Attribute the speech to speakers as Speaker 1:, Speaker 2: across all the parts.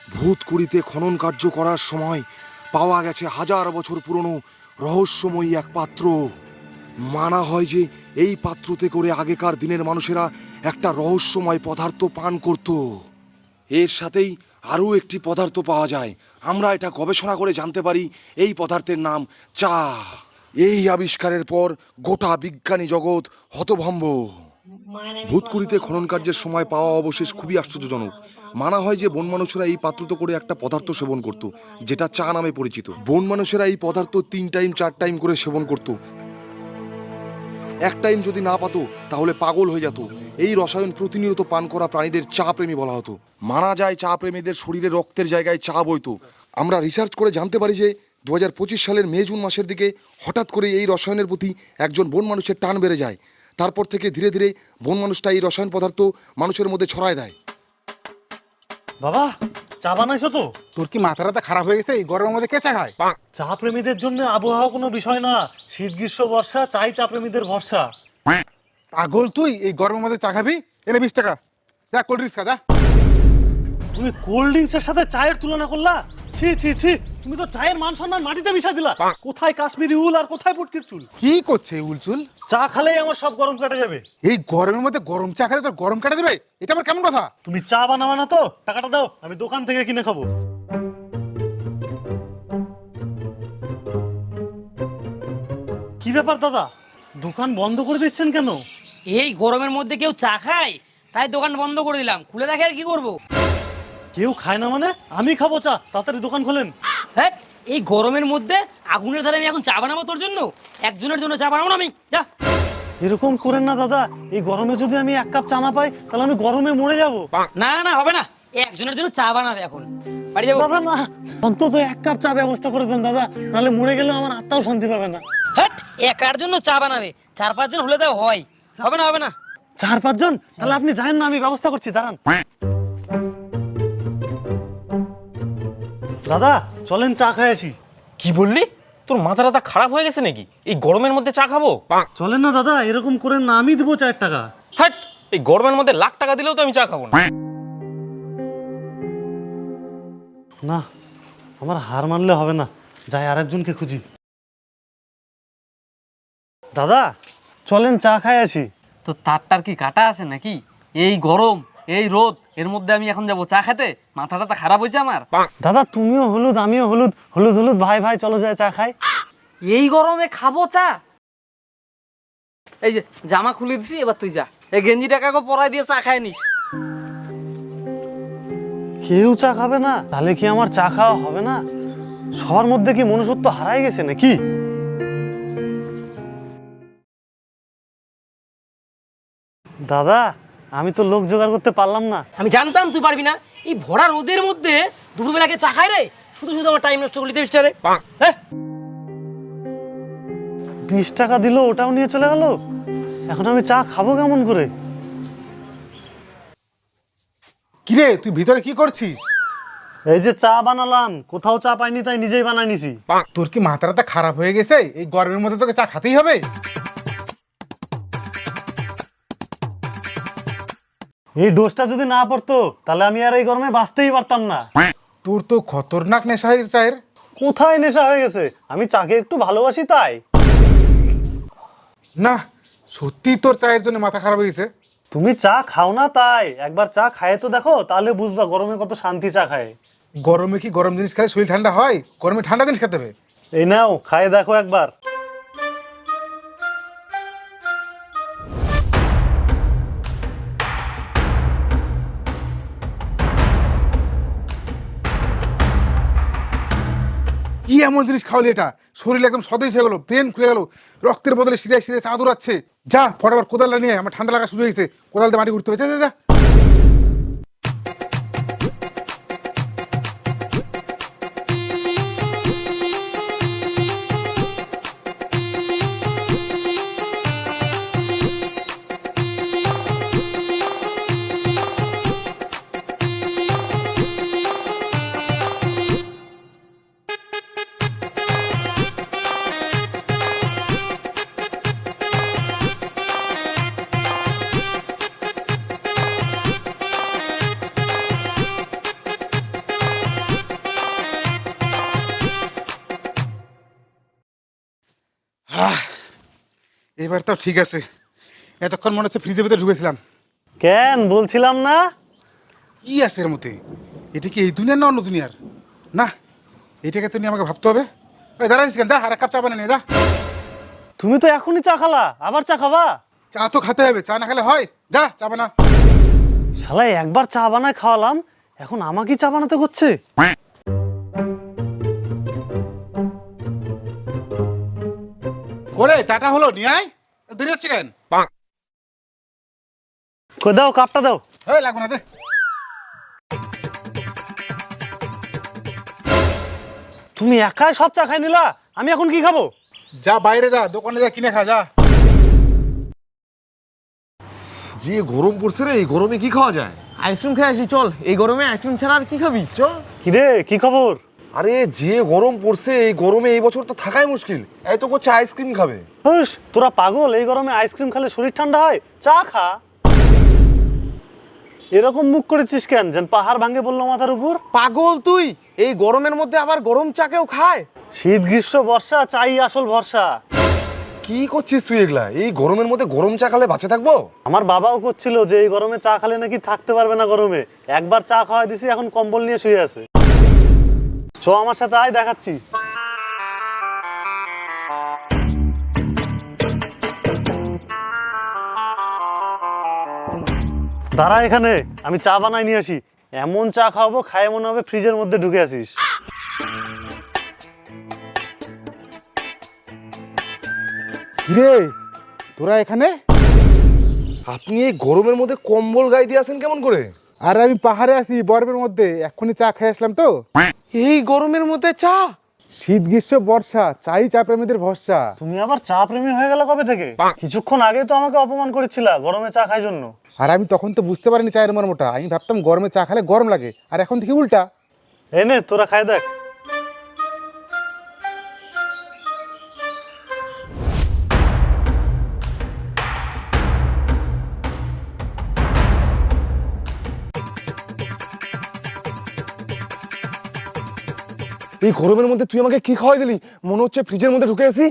Speaker 1: ভূতকুড়িতে খনন কার্য করার সময় পাওয়া গেছে হাজার বছর পুরনো রহস্যময়ী এক পাত্র। মানা হয় যে এই পাত্রতে করে আগেকার দিনের মানুষেরা একটা রহস্যময় পদার্থ পান করত। এর সাথেই আরও একটি পদার্থ পাওয়া যায়। আমরা এটা গবেষণা করে জানতে পারি এই পদার্থের নাম চা। এই আবিষ্কারের পর গোটা বিজ্ঞানী জগৎ হতভম্ব। ভূতকুড়িতে খনন কার্যের সময় পাওয়া অবশেষ খুবই আশ্চর্যজনক। মানা হয় যে বন মানুষেরা এই পাত্রত করে একটা পদার্থ সেবন করত, যেটা চা নামে পরিচিত। বন মানুষেরা এই পদার্থ 3 টাইম 4 টাইম করে সেবন করত। এক টাইম যদি না পাতো তাহলে পাগল হয়ে যেত। এই রসায়ন প্রতিনিয়ত পান করা প্রাণীদের চা প্রেমী বলা হতো। মানা যায় চা প্রেমীদের শরীরে রক্তের জায়গায় চা বইতো। আমরা রিসার্চ করে জানতে পারি যে 2025 সালের মে জুন মাসের দিকে হঠাৎ করে এই রসায়নের প্রতি একজন বন মানুষের টান বেড়ে যায়। তারপর থেকে ধীরে ধীরে বন মানুষটা এই রসায়ন পদার্থ মানুষের মধ্যে ছড়ায় দেয়।
Speaker 2: বাবা, চা বানাইছো তো?
Speaker 3: তোর কি মাথাটা খারাপ হয়ে গেছে? এই গরমের মধ্যে কে চা খায়?
Speaker 2: চা প্রেমীদের জন্য আবহাওয়া কোনো বিষয় না। শীত গ্রীষ্ম বর্ষা চাই চা প্রেমীদের ভরসা।
Speaker 3: পাগল তুই? এই গরমের মধ্যে চা খাবি? এনে 20 টাকা, যা কোল্ড ড্রিঙ্কস খা যা।
Speaker 2: তুমি কোল্ড ড্রিঙ্কসের সাথে চায়ের তুলনা করলা? ছি ছি ছি, তুমি তো চায়ের মান সম্মান মাটিতে মিশাই দিলা। কোথায় কাশ্মীরি উল আর কোথায় পুটকির চুল?
Speaker 3: কি করছে উলচুল?
Speaker 2: চা খালেই আমার সব গরম কেটে যাবে।
Speaker 3: এই গরমের মধ্যে গরম চা খেলে তোর গরম কাটা দেবে? এটা আমার কেমন কথা?
Speaker 2: তুমি চা বানাবা না তো টাকাটা দাও, আমি দোকান থেকে কিনে খাবো। কি ব্যাপার দাদা, দোকান বন্ধ করে দিচ্ছেন কেন?
Speaker 4: এই গরমের মধ্যে কেউ চা খায়, তাই দোকান বন্ধ করে দিলাম। খুলে রাখে আর কি করবো?
Speaker 2: কেউ খায় না মানে? আমি খাবো চা, তাড়াতাড়ি দোকান খোলেন।
Speaker 4: হ্যাঁ, এই গরমের মধ্যে আগুনের ধারে আমি এখন চা বানাবো তোর জন্য? একজনের জন্য চা বানাবো না আমি, যা।
Speaker 2: এরকম করেন না দাদা, এই গরমে যদি আমি 1 কাপ চা না পাই তাহলে আমি গরমে মরে যাবো।
Speaker 4: না না, হবে না। একজনের জন্য চা বানাবে এখন, বাড়ি যাবো।
Speaker 2: দাদা না, অন্তত 1 কাপ চা ব্যবস্থা করে দেন দাদা, নাহলে মরে গেলে আমার আত্মাও শান্তি পাবে না।
Speaker 4: হ্যাঁ, একার জন্য চা বানাবে? 4-5 জন হলে তাও হয়। হবে না, হবে না।
Speaker 2: 4-5 জন? তাহলে আপনি যান না, আমি ব্যবস্থা করছি, দাঁড়ান। দাদা চলেন চা খাই আসি।
Speaker 5: কি বললি? তোর মাথাটা খারাপ হয়ে গেছে নাকি? এই গরমের মধ্যে চা খাবো?
Speaker 2: চলেন না দাদা, এরকম করেন না, আমি দেবো 4 টাকা।
Speaker 5: হাট, এই গরমের মধ্যে লাখ টাকা দিলেও তো আমি চা খাবো না।
Speaker 2: না, আমার হার মানলে হবে না, যাই আরেকজনকে খুঁজি। দাদা চলেন চা খাই আসি।
Speaker 4: তো তারটার কি কাটা আছে নাকি? এই গরম, এই রোদ, এর মধ্যে আমি এখন যাবো চা খেতে? মাথাটা তো খারাপ হয়েছে আমার।
Speaker 2: দাদা তুমিও হলুদ আমিও হলুদ, হলুদ হলুদ ভাই ভাই, চলো যায় চা খাই।
Speaker 4: এই গরমে খাবো চা? এই যে জামা খুলে দিছি, এবার তুই যা, এই গেঞ্জি টাকাকে পরাই দিয়ে চা খাই নিস।
Speaker 2: কেউ চা খাবে না? তাহলে কি আমার চা খাওয়া হবে না? সবার মধ্যে কি মনুষ্যত্ব হারাই গেছে নাকি? দাদা আমি তো লোক জোগাড় করতে পারলাম না।
Speaker 4: আমি জানতাম তুই পারবি না। এই ভরা রোদের মধ্যে দুপুরবেলাকে চা খাই রে? শুধু শুধু আমার টাইম নষ্ট করলি 30 টাকা। হ্যাঁ,
Speaker 2: 20 টাকা দিল, ওটাও নিয়ে চলে গেল। এখন আমি চা খাবো কেমন করে?
Speaker 3: কিরে তুই ভিতরে কি করছিস?
Speaker 2: এই যে চা বানালাম, কোথাও চা পাইনি তাই নিজেই বানাই নিছি।
Speaker 3: তোর কি মাথাটা খারাপ হয়ে গেছে? এই গরমের মধ্যে তোকে চা খেতেই হবে?
Speaker 2: এই ডোজটা যদি না পড়তো তাহলে আমি আর এই গরমে বাঁচতেই পারতাম না।
Speaker 3: তোর তো খতরনাক নেশা হয়ে গেছে চায়ের।
Speaker 2: কোথায় নেশা হয়ে গেছে? আমি চাকে একটু ভালোবাসি তাই।
Speaker 3: না, সত্যি তোর চায়ের জন্য মাথা খারাপ হয়ে গেছে।
Speaker 2: তুমি চা খাও না তাই, একবার চা খায় তো দেখো, তাহলে বুঝবা গরমে কত শান্তি চা খায়।
Speaker 3: গরমে কি গরম জিনিস খেলে শরীর ঠান্ডা হয়? গরমে ঠান্ডা জিনিস খেতে হবে।
Speaker 2: এই নাও খায় দেখো একবার।
Speaker 3: কি এমন জিনিস খাওয়ালি এটা? শরীর একদম সতেজ হয়ে গেল, ব্রেন খুলে গেল, রক্তের বদলে শিরায় শিরায় চা দৌড়াচ্ছে। যা ফটাফট কোদালটা নিয়ে, আমার ঠান্ডা লাগা শুরু হয়েছে, কোদাল দিয়ে মাটি উঠতে হবে, যা যা যা। এবার তো ঠিক আছে। এতক্ষণ মনে হচ্ছে ফ্রিজের ভিতরে ঢুকেছিলাম।
Speaker 2: কেন বলছিলাম না?
Speaker 3: কি আছে এর মধ্যে? এটা কি এই দুনিয়ার না অন্য দুনিয়ার? না, এটাকে তো নিয়ে আমাকে ভাবতে হবে। ওই দাঁড়াইছিস কেন? যা আর এক কাপ চা বানিয়ে নিয়ে যা।
Speaker 2: তুমি তো এখনই চা খালা, আবার চা খাবা?
Speaker 3: চা তো খেতে হবে, চা না খেলে হয়? যা চা বানা।
Speaker 2: শালা একবার চা বানায় খাওয়ালাম, এখন আমাকেই চা বানাতে হচ্ছে।
Speaker 3: করে চাটা হলো, নিয়ে আয়। দেরি হচ্ছে কেন?
Speaker 2: কই দাও, কাপটা দাও।
Speaker 3: এই লাগবে না, দে।
Speaker 2: তুমি একাই সব চা খাই নিলা, আমি এখন কি খাবো?
Speaker 3: যা বাইরে যা, দোকানে যা, কিনে খা যা।
Speaker 1: যে গরম পড়ছে রে, এই গরমে কি খাওয়া যায়?
Speaker 6: আইসক্রিম খেয়ে আসি চল, এই গরমে আইসক্রিম ছাড়া আর কি খাবি চ।
Speaker 2: কিরে কি খবর?
Speaker 1: আরে যে গরম পড়ছে, এই গরমে এই বছর তো থাকাই মুশকিল। এই তো করছে আইসক্রিম খাবে।
Speaker 2: হুস, তোরা পাগল? এই গরমে আইসক্রিম খেলে শরীর ঠান্ডা হয়? চা খা। এরকম মুখ করেছিস কেন, যেন পাহাড় ভাঙে বললো মাথার উপর?
Speaker 6: পাগল তুই, এই গরমের মধ্যে আবার গরম চা কেউ খায়?
Speaker 2: শীত গ্রীষ্ম বর্ষা চাই আসল ভরসা।
Speaker 1: কি করছিস তুই এগুলা? এই গরমের মধ্যে গরম চা খেলে বাঁচে থাকবো?
Speaker 2: আমার বাবাও করছিল যে এই গরমে চা খেলে নাকি থাকতে পারবে না গরমে। একবার চা খাওয়াই দিছি, এখন কম্বল নিয়ে শুয়ে আছে। চ আমার সাথে আয়, দেখাচ্ছি। দাঁড়া এখানে, আমি চা বানাই নিয়ে আসি। এমন চা খাওয়াবো, খায় মনে হবে ফ্রিজের মধ্যে ঢুকে আছিস।
Speaker 3: কিরে তোরা এখানে?
Speaker 1: আপনি এই গরমের মধ্যে কম্বল গায়ে দিয়ে আছেন কেমন করে?
Speaker 3: আর আমি পাহাড়ে আছি বরফের মধ্যে, এক্ষুনি চা খেয়ে আসলাম তো।
Speaker 6: এই গরমের মধ্যে চা?
Speaker 3: শীত গ্রীষ্ম বর্ষা চাই চা প্রেমীদের ভরসা।
Speaker 2: তুমি আবার চা প্রেমী হয়ে গেল কবে থেকে? কিছুক্ষণ আগে তো আমাকে অপমান করেছিলা গরমে চা খাই জন্য।
Speaker 3: আর আমি তখন তো বুঝতে পারিনি চায়ের মর্মটা, আমি ভাবতাম গরমে চা খেলে গরম লাগে, আর এখন দেখি উল্টা।
Speaker 2: এনে তোরা খাই দেখ।
Speaker 1: এই গরমের মধ্যে তুই আমাকে কি খাওয়াই দিলি? মনে হচ্ছে ফ্রিজের মধ্যে ঢুকে আছি।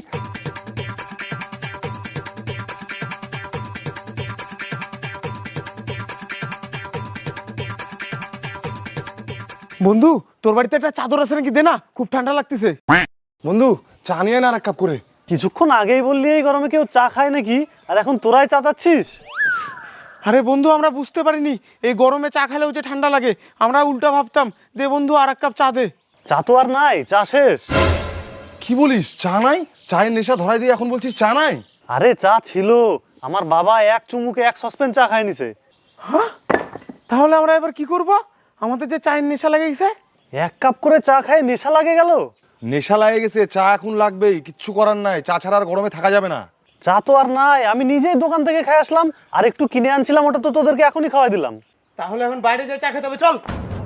Speaker 6: বন্ধু তোর বাড়িতে একটা চাদর আছে নাকি, দে না, খুব ঠান্ডা লাগতেছে।
Speaker 1: বন্ধু চা নিয়ে না আর এক কাপ করে।
Speaker 2: কিছুক্ষণ আগেই বললি এই গরমে কেউ চা খায় নাকি, আর এখন তোরাই চা চাচ্ছিস?
Speaker 6: আরে বন্ধু আমরা বুঝতে পারিনি এই গরমে চা খেলেও যে ঠান্ডা লাগে, আমরা উল্টা ভাবতাম। দে বন্ধু আর এক কাপ চা দে।
Speaker 2: চা তো আর নাই, চা শেষ।
Speaker 1: কি বলিস? চা নাই? চায়ের নেশা ধরাই দিয়ে এখন বলছিস চা নাই?
Speaker 2: আরে চা ছিল, আমার বাবা এক চুমুকে এক সসপেন চা খাই নিছে।
Speaker 6: হ্যাঁ, তাহলে আমরা এবার কি করব? আমাদের যে চায়ের নেশা লেগে গেছে।
Speaker 2: এক কাপ করে চা খাই নেশা লাগে গেল।
Speaker 1: নেশা লাগে গেছে, চা এখন লাগবেই, কিচ্ছু করার নাই। চা ছাড়া আর গরমে থাকা যাবে না।
Speaker 2: চা তো আর নাই, আমি নিজেই দোকান থেকে খাই আসলাম, আর একটু কিনে আনছিলাম, ওটা তো তোদেরকে এখনই খাওয়াই দিলাম।
Speaker 6: তাহলে এখন বাইরে যাই চা খেতে হবে, চল।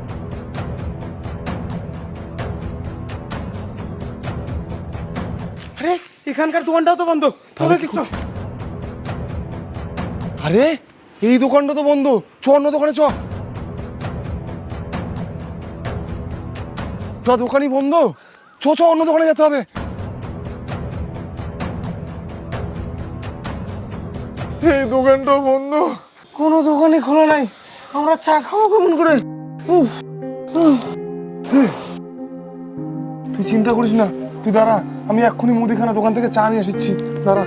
Speaker 6: আরে এখানকার দোকানটাও তো বন্ধ, তাহলে কি চল।
Speaker 1: আরে এই দোকানটা তো বন্ধ, চ অন্য দোকানে চ। দোকানই বন্ধ, চ চ অন্য দোকানে যেতে হবে। এই দোকানটা বন্ধ,
Speaker 6: কোনো দোকানই খোলা নাই, আমরা চা খাবো কেমন করে?
Speaker 1: তুই চিন্তা করিস না, তুই দাঁড়া, আমি এক্ষুনি মুদিখানা দোকান থেকে চা নিয়ে এসেছি, দাঁড়া।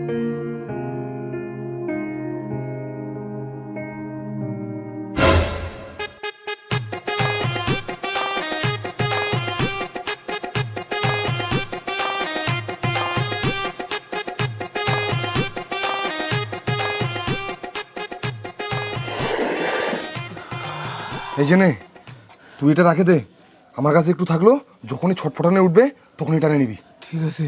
Speaker 1: এই যে নে, তুই এটা রাখে দে, আমার কাছে একটু থাকলো, যখনই ছটফটানে উঠবে তখন এটা নিয়ে নিবি।
Speaker 6: ঠিক আছে।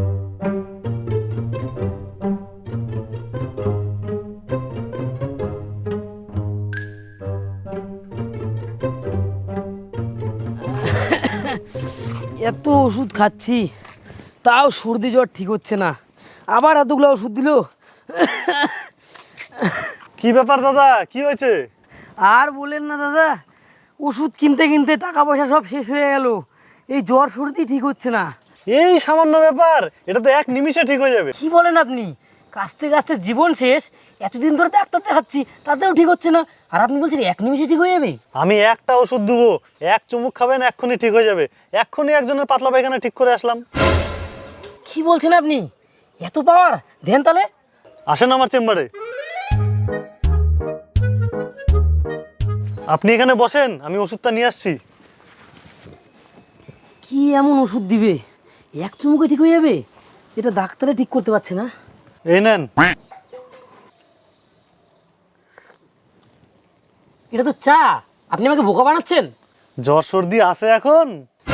Speaker 7: এত ওষুধ খাচ্ছি তাও সর্দি জ্বর ঠিক হচ্ছে না, আবার এতগুলো ওষুধ দিল।
Speaker 2: কি ব্যাপার দাদা, কি হয়েছে?
Speaker 7: আর বলেন না দাদা, ওষুধ কিনতে কিনতে টাকা পয়সা সব শেষ হয়ে গেল, এই জ্বর সর্দি ঠিক হচ্ছে না।
Speaker 2: এই সামান্য ব্যাপার, এটা তো এক নিমিষে ঠিক হয়ে যাবে।
Speaker 7: কি বলেন আপনি? কাস্তে কাস্তে জীবন শেষ, এতদিন ধরে ডাক্তার দেখাচ্ছি তাতেও ঠিক হচ্ছে না, আর আপনি বলছেন এক নিমিষে ঠিক হয়ে যাবে?
Speaker 2: আমি একটা ওষুধ দেবো, এক চুমুক খাবেন, এক্ষুনি ঠিক হয়ে যাবে। এক্ষুনি একজনের পাতলা পায়খানা ঠিক করে আসলাম।
Speaker 7: কি বলছেন আপনি? এত পাওয়ার? দেন তাহলে।
Speaker 2: আসেন আমার চেম্বারে। আপনি এখানে বসেন, আমি ওষুধটা নিয়ে আসছি।
Speaker 7: কি এমন ওষুধ দিবে এক চুমুকে ঠিক হয়ে যাবে? এটা ডাক্তারে ঠিক করতে পারছে না।
Speaker 2: এই নেন।
Speaker 7: এটা তো চা, আপনি আমাকে বোকা বানাচ্ছেন।
Speaker 2: জ্বর সর্দি আছে এখন?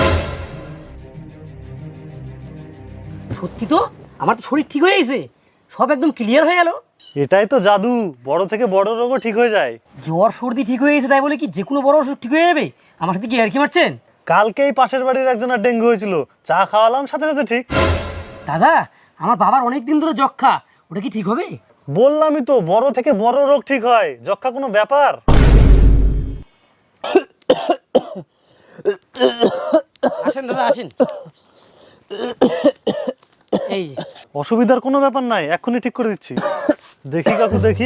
Speaker 7: সত্যি তো, আমার তো শরীর ঠিক হয়ে গেছে, সব একদম ক্লিয়ার হয়ে গেল।
Speaker 2: এটাই তো জাদু, বড় থেকে বড় রোগও ঠিক হয়ে যায়।
Speaker 7: জ্বর সর্দি ঠিক হয়ে গেছে তাই বলে কি যে কোনো বড় অসুখ ঠিক হয়ে যাবে? আমার সাথে কি আর কি মারছেন?
Speaker 2: কালকেই পাশের বাড়ির একজনের ডেঙ্গু হয়েছিল, চা খাওয়ালাম, সাথে সাথে ঠিক।
Speaker 7: দাদা, আমার বাবার অনেক দিন ধরে যক্ষা, ওটা কি ঠিক হবে?
Speaker 2: বললামই তো, বড় থেকে বড় রোগ ঠিক হয়, যক্ষা কোনো ব্যাপার?
Speaker 7: আসেন দাদা আসেন। এই যে।
Speaker 2: অসুবিধার কোনো ব্যাপার নাই, এক্ষুনি ঠিক করে দিচ্ছি। দেখি কাকু, দেখি।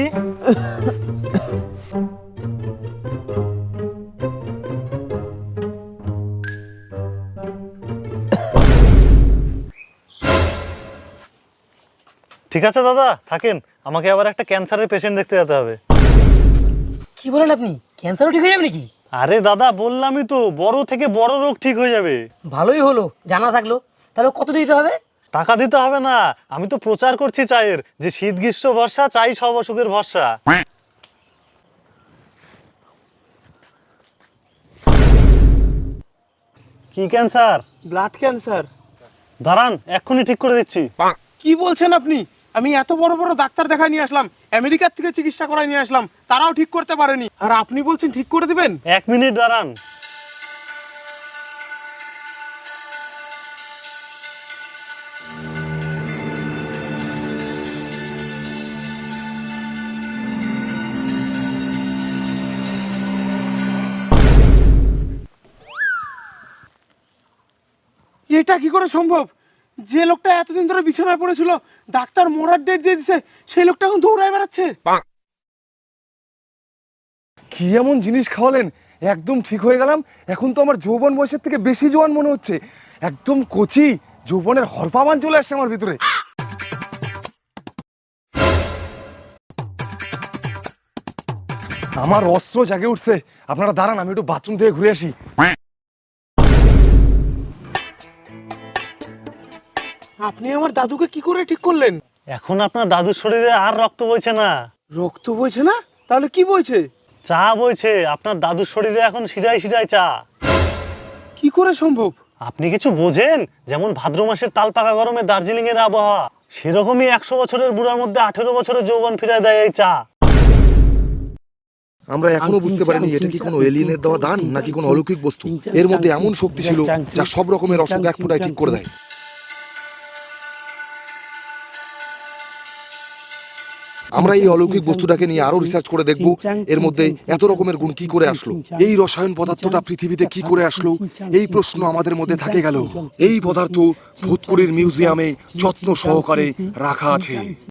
Speaker 2: ঠিক আছে দাদা, থাকেন, আমাকে আবার একটা ক্যান্সারের পেশেন্ট দেখতে যেতে হবে।
Speaker 7: কি বলেন আপনি? ক্যান্সারও ঠিক হয়ে যাবে নাকি?
Speaker 2: আরে দাদা, বললামই তো, বড় থেকে বড় রোগ ঠিক হয়ে যাবে।
Speaker 7: ভালোই হলো, জানা থাকলো। তাহলে কত দিতে হবে?
Speaker 2: টাকা দিতে হবে না, আমি তো প্রচার করছি চায়ের, যে শীত গ্রীষ্ম বর্ষা চাই সব অসুখের ভরসা। কি ক্যান্সার?
Speaker 6: Blood cancer.
Speaker 2: দাঁড়ান, এক্ষুনি ঠিক করে দিচ্ছি।
Speaker 6: কি বলছেন আপনি? আমি এত বড় বড় ডাক্তার দেখা নিয়ে আসলাম, আমেরিকার থেকে চিকিৎসা করায় নিয়ে আসলাম, তারাও ঠিক করতে পারেনি, আর আপনি বলছেন ঠিক করে দিবেন?
Speaker 2: 1 মিনিট দাঁড়ান।
Speaker 6: এটা কি করে সম্ভব? যে লোকটা এতদিন ধরে বিছানায় পড়েছিল, ডাক্তার মরার ডেট দিয়ে দিছে, সেই লোকটা এখন দৌড়ায় বেড়াচ্ছে।
Speaker 1: কি এমন জিনিস খাওয়ালেন, একদম ঠিক হয়ে গেলাম। এখন তো আমার যৌবন বয়সের থেকে বেশি জোয়ান মনে হচ্ছে, একদম কচি যৌবনের হরপাবান চলে আসছে আমার ভিতরে। আমার অস্ত্র জাগে উঠছে। আপনারা দাঁড়ান, আমি একটু বাথরুম থেকে ঘুরে আসি।
Speaker 6: আপনি আমার দাদুকে কি করে ঠিক করলেন?
Speaker 2: এখন আপনার দাদুর শরীরে আর রক্ত বইছে না,
Speaker 6: রক্ত বইছে না? তাহলে কি বইছে?
Speaker 2: চা বইছে। আপনার দাদুর শরীরে এখন শিরায় শিরায় চা।
Speaker 6: কি করে সম্ভব?
Speaker 2: আপনি কিছু বোঝেন? যেমন ভাদ্র মাসের তাল পাকা গরমে দার্জিলিং এর আবহাওয়া, সেরকমই 100 বছরের বুড়ার মধ্যে 18 বছরের যৌবন ফিরায় দেয় এই চা।
Speaker 1: আমরা এখনো বুঝতে পারিনি এটা কি কোনো এলিয়েনের দেওয়া দান নাকি কোনো অলৌকিক বস্তু। এর মধ্যে এমন শক্তি ছিল যা সব রকমের অসুখ এক ফোঁটায় ঠিক করে দেয়। আমরা এই অলৌকিক বস্তুটাকে নিয়ে আরো রিসার্চ করে দেখব এর মধ্যে এত রকমের গুণ কি করে আসলো, এই রসায়ন পদার্থটা পৃথিবীতে কি করে আসলো, এই প্রশ্ন আমাদের মধ্যে থাকে গেল। এই পদার্থ ভূতকুড়ির মিউজিয়ামে যত্ন সহকারে রাখা আছে।